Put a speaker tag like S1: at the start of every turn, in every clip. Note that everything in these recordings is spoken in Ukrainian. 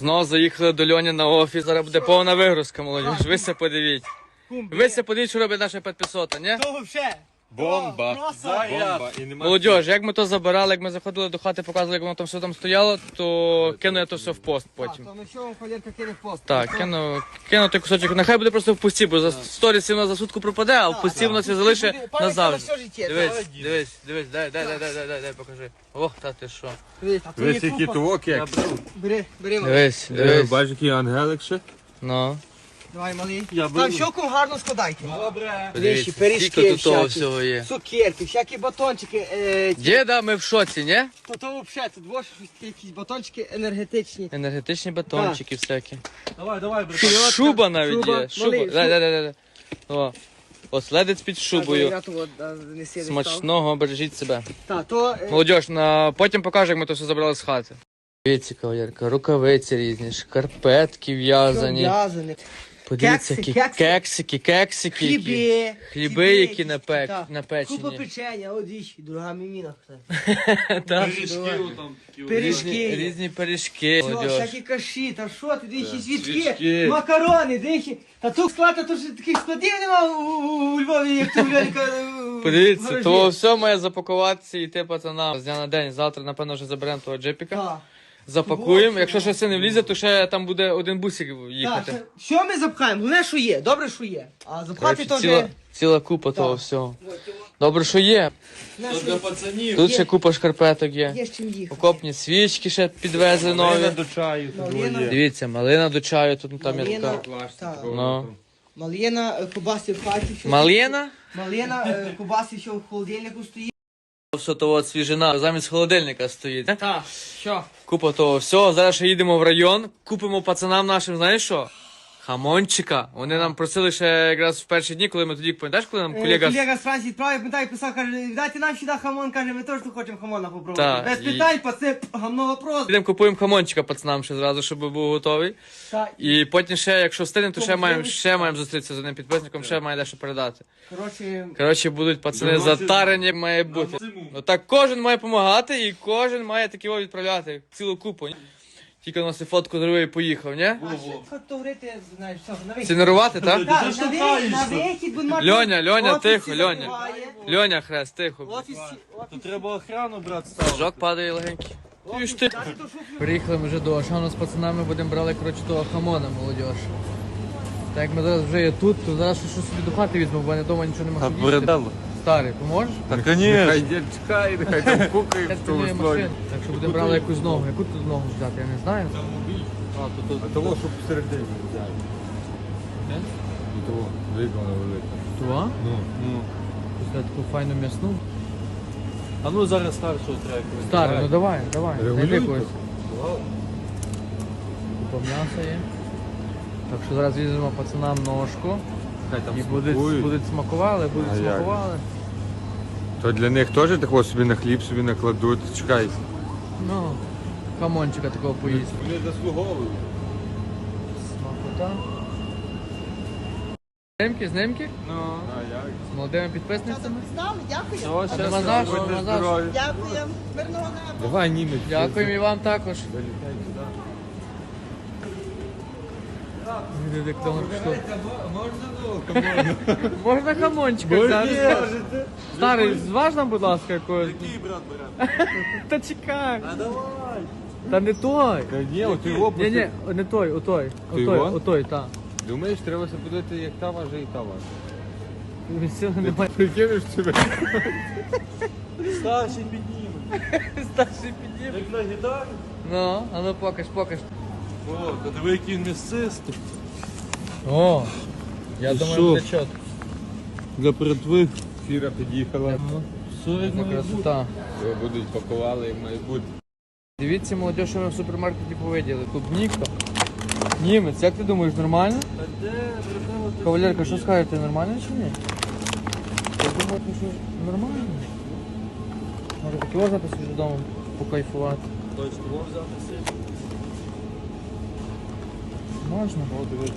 S1: Знову заїхали до Льоні на офіс. Зараз буде повна вигрузка, молодіж. Ви се подивіть. Ви се подивіть, що робить наша 500, ні?
S2: То вообще.
S3: Бомба! Бомба! І нема
S1: Молодіж, як ми то забирали, як ми заходили до хати, показували, як воно там все там стояло, то кину я то все в пост потім.
S2: То ми що вам колірка кине в пост?
S1: Так, кину той кусочок. Нехай буде просто в пусті, бо за сторісі воно за сутку пропаде, а в пусті воно це залишить назавжди. Дивись, дай, покажи. Ох, та ти що.
S3: Весь який того кек.
S2: Бери.
S1: Дивись.
S3: Бачиш, який ангелик ще?
S1: Ну.
S2: Давай, малий. Там щоку гарно складайте.
S3: Добре.
S1: Подивіться,
S2: пиріжки
S1: скільки тут того
S2: всякі.
S1: всього є.
S2: Цукерки, всякі батончики.
S1: Діда, ми в шоці, ні?
S2: То взагалі, тут двоє якісь батончики енергетичні.
S1: Енергетичні батончики всякі.
S3: Давай, брат.
S1: Шуба навіть
S2: шуба,
S1: є. Шуба.
S2: малий,
S1: Дай. О. Оследець під шубою.
S2: Смачно.
S1: Смачного, бережіть себе.
S2: Так, то...
S1: Молодіж, потім покажу, як ми то все забрали з хати. Дивіться, кавалерка, рукавиці різні, шкарпетки в'язані.
S2: В'язані.
S1: Подивіться,
S2: Кекси,
S1: які кексики. які. Хліби, які
S2: так.
S1: напечені.
S2: Купа печення, от дивіться, дорога міміна.
S1: Так.
S2: Пиріжки.
S1: Різні пиріжки.
S2: Що,
S1: Молодіж.
S2: всякі каші, та що ти, дивіться, свічки, макарони, дивіться. Та тут склад, то ж таких складів нема у Львові, як ти, Львовіка.
S1: Подивіться, то все має запакуватися і йти пацанам з дня на день. Завтра, напевно, вже заберемо того джипіка.
S2: Так.
S1: Запакуємо. Якщо щось це не влізе, то ще там буде один бусик їхати.
S2: Так, що ми запхаємо? Головне, що є, добре, що є. А запхати
S1: Коротше,
S2: то вже...
S1: ціла купа того всього. Добре, що є.
S3: Для пацанів.
S1: Тут ще купа шкарпеток є.
S2: Є з чим їхати.
S1: Окопні свічки ще підвезли
S3: Малина
S1: нові.
S3: до чаю тут
S2: Малина.
S3: є.
S1: Дивіться, малина до чаю, тут там є
S2: Малина.
S1: така.
S2: Так.
S1: Ну.
S2: Малина, кубаси в хаті. що-
S1: Малина?
S2: Малина, кубаси, що в холодильнику стоїть.
S1: Все того от свіжина замість холодильника стоїть.
S2: Так, що?
S1: Купа того всього. Зараз ще їдемо в район, купимо пацанам нашим, знаєш що? Хамончика. Вони нам просили ще якраз в перші дні, коли ми тоді, пам'ятаєш, коли нам колега...
S2: Колега з Франції відправив, пам'ятаю, писав, каже, дайте нам сюди хамон, каже, ми теж тут хочемо хамона
S1: Так,
S2: попробувати. Без
S1: і-
S2: питань, паци, гамно вопрос.
S1: Підемо купуємо хамончика пацанам ще зразу, щоб був готовий.
S2: Так,
S1: І потім ще, якщо встигнемо, то ще
S2: Тому
S1: маємо,
S2: що-
S1: ще маємо зустрітися з одним підписником, ще має дещо передати.
S2: коротше,
S1: Коротше, будуть пацани затарені, як має бути. Ну так кожен має допомагати і кожен має такі відправляти цілу купу. Ні? Тільки носить фотку зробив і поїхав, ні?
S2: фотографити, знаєш, все, на вихід.
S1: Сінерувати, так?
S2: Так, на вихід, будемо мати...
S1: Льоня,
S2: офісі
S1: тихо, Льоня.
S2: забиває.
S1: Льоня, хрест, тихо.
S2: Офісі,
S3: То треба охрану, брат, ставити.
S1: Жок падає легенький. Ти ж ти.
S2: Дайте ту шуфлю.
S1: Приїхали ми вже до Ашану з пацанами, будемо брали, коротше, того хамона, молодіж. Так як ми зараз вже є тут, то зараз щось собі до хати візьмемо, бо я вдома нічого не можу їсти. Старий, поможеш?
S3: Та, конечно.
S4: Хай дід чекає, нехай там кукає
S1: Я
S4: в тому
S1: стільки
S4: слові.
S1: машин. Так що будемо брали якусь ногу. Яку тут ногу взяти, я не знаю.
S4: А того, щоб всередині взяти. І того, виконано велике.
S1: Тува?
S4: Ну.
S1: Після таку файну м'ясну.
S3: А ну зараз старшого треба.
S1: Старий, ну давай.
S4: Регулюй
S1: Знайди
S4: тут.
S1: когось. Купа м'яса є. Так що зараз візьмемо пацанам ножку.
S4: Хай там
S1: І будуть
S4: смакують.
S1: смакували,
S4: А як?
S1: смакували.
S4: То для них теж такого собі на хліб собі накладуть. Чекай.
S1: Ну, хамончика такого поїсть.
S4: Вони заслуговують.
S1: Смакота. Знимки?
S3: Ну.
S4: А як?
S1: З молодими підписницями.
S2: Дякую.
S3: Все,
S1: А нема
S3: щас.
S1: за що,
S4: Будьте
S1: нема за що.
S4: здорові.
S2: Дякую. Мирного неба.
S4: Давай, німець.
S1: Дякуємо і вам також.
S4: Залітай туди.
S1: Як давно пішло.
S3: Можна
S1: Можна хамончика взяти? Старий, зваж нам, будь ласка, якогось.
S3: Який брат бере?
S1: Та чекай.
S3: А давай.
S1: Та не той.
S4: Та ні, от його
S1: Ні, ні,
S4: просто...
S1: не той, отой.
S4: Ти його?
S1: Отой, так.
S4: Думаєш, треба себе подати, як та важить і та важить.
S1: Від цього немає.
S4: Прикинеш себе?
S3: Старший підніме.
S1: Старший підів.
S3: Як на гітарі.
S1: Ну, а ну покаж.
S3: О, та диви, який він м'ясистий.
S1: О, я
S3: Ти
S1: думаю,
S3: що?
S1: буде чот.
S3: Для братви.
S4: Фіра під'їхала.
S3: Все як
S1: Ну,
S3: має бути.
S1: красота.
S4: Його будуть пакували, як має бути.
S1: Дивіться, молодь, що ми в супермаркеті повиділи. Клубніка. Німець, як ти думаєш, нормально?
S3: Та де, братва, ти
S1: Кавалерка, що скажете, нормально чи ні? Я думаю, що нормально. Може таки взяти собі додому покайфувати.
S3: Точно, можна взяти сильно.
S1: Можна.
S3: О, диви.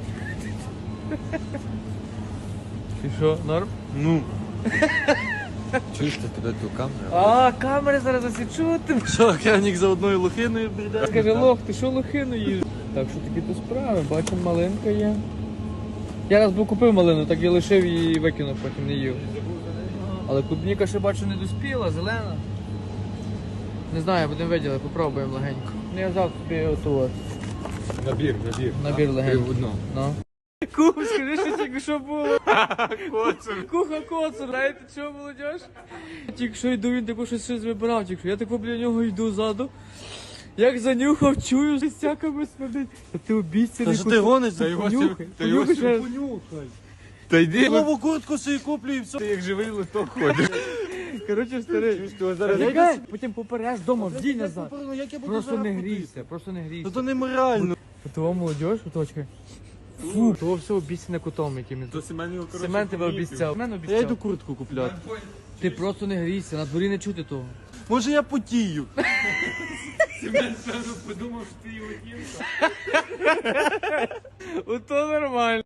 S1: І що, норм?
S3: Ну.
S4: Чуєш ти туди ту камеру?
S1: А, камери зараз засічу ти.
S3: Що, Кянік за одною лохиною прийде?
S1: Скаже, лох, ти що лохину їж? Так, що такі то справи, бачимо, малинка є. Я раз був купив малину, так я лишив і викинув, потім не їв. Але клубніка ще бачу не доспіла, зелена. Не знаю, будемо виділи, попробуємо легенько. Ну я взяв собі оту от.
S4: Набір.
S1: Набір легенький.
S4: Три в одному.
S1: Ну. Кум, скажи, що тільки що було. Коцур. Куха коцур, знаєте що, молодіж? Тільки що йду, він таку щось вибирав, тільки що. Я тако біля нього йду ззаду. Як занюхав, чую, що стяками смердить. Та ти обіцяний.
S3: Та що ти гониш?
S4: Та його
S1: Понюхай,
S4: та його
S1: понюхай ще раз.
S3: Понюхай.
S4: Та йди.
S3: Нову куртку собі куплю і все.
S4: Ти як живий листок ходиш.
S1: Коротше, старий.
S3: Зараз
S1: Потім попереш вдома, вдій назад.
S3: Ну, як я буду
S1: Просто
S3: зараз
S1: не
S3: ходити?
S1: грійся, просто не грійся.
S3: Та то неморально.
S1: Того молодіж, оточка. Фу, того все обіцяне кутом якимось.
S4: То Семен його, коротше,
S1: Семен тебе
S4: помітив.
S1: обіцяв. Семен
S3: Я йду
S1: обіцяв.
S3: куртку купляти.
S1: Ти просто не грійся, на дворі не чути того.
S3: Може я потію.
S4: Семен сразу подумав, що ти його кінка.
S1: Ото нормально.